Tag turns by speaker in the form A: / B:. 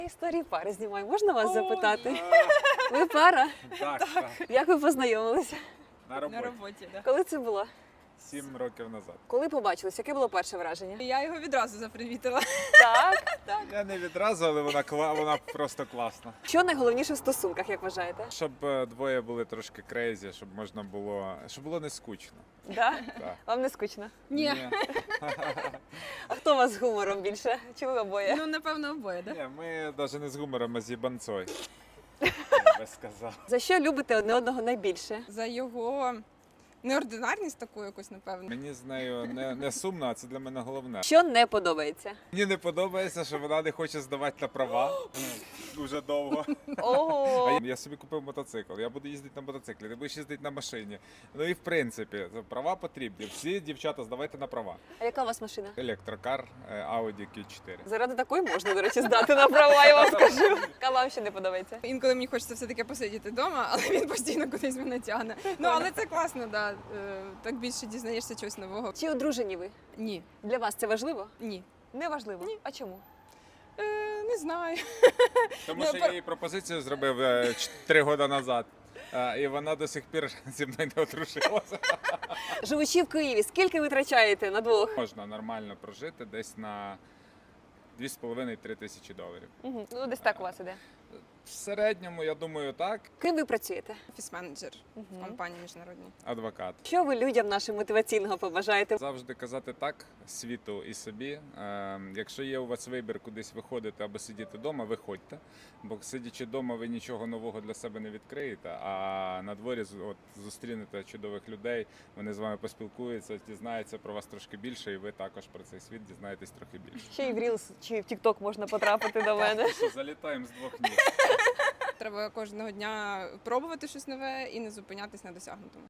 A: Історії пари знімаю. Можна вас запитати? Ви пара?
B: Так.
A: Як ви познайомилися?
B: На
C: На
B: роботі.
C: роботі, да.
A: Коли це було?
B: 7 років назад.
A: Коли побачились? Яке було перше враження?
C: Я його відразу запривітила.
A: Так.
B: Я не відразу, але вона просто класна.
A: Що найголовніше в стосунках, як вважаєте?
B: Щоб двоє були трошки крейзі, щоб можна було, щоб було не скучно.
A: Да?
B: Так.
A: Вам не скучно?
C: Ні.
A: А хто у вас з гумором більше? Чи ви обоє?
C: Ну, напевно, обоє, да?
B: Ні, ми навіть не з гумором, а з їбанцой. Я би сказав.
A: За що любите одне одного найбільше?
C: За його неординарність таку якусь, напевно.
B: Мені з нею не сумно, а це для мене головне.
A: Що не подобається?
B: Мені не подобається, що вона не хоче здавати на права дуже довго.
A: Ого!
B: Я собі купив мотоцикл, я буду їздити на мотоциклі, ти будеш їздити на машині. Ну і в принципі, права потрібні. Всі дівчата здавайте на права.
A: А яка у вас машина?
B: Електрокар Audi Q4.
A: Заради такої можна, до речі, здати на права, я вам скажу. Яка вам ще не подобається?
C: Інколи мені хочеться все-таки посидіти вдома, але він постійно кудись мене тягне. Ну, але це класно, да. Так більше дізнаєшся чогось нового.
A: Чи одружені ви?
C: Ні.
A: Для вас це важливо?
C: Ні.
A: Не важливо. А чому?
C: Не знаю.
B: Тому що я їй пропозицію зробив 3 роки назад. І вона до сих пір зі мною не одружилася.
A: Живучи в Києві, скільки ви витрачаєте на двох?
B: Можна нормально прожити десь на 2,5-3 тисячі доларів.
A: Угу. Ну, десь так у вас іде.
B: В середньому, я думаю, так.
A: Ким ви працюєте?
C: Офіс-менеджер в компанії міжнародній.
B: Адвокат.
A: Що ви людям нашим мотиваційного побажаєте?
B: Завжди казати так світу і собі. Якщо є у вас вибір кудись виходити або сидіти вдома, виходьте. Бо сидячи вдома, ви нічого нового для себе не відкриєте, а на дворі зустрінете чудових людей, вони з вами поспілкуються, дізнаються про вас трошки більше, і ви також про цей світ дізнаєтесь трохи більше.
A: Ще й в Reels чи в TikTok можна потрапити до мене.
B: Що, залітаємо з 2 ніг.
C: Треба кожного дня пробувати щось нове і не зупинятись на досягнутому.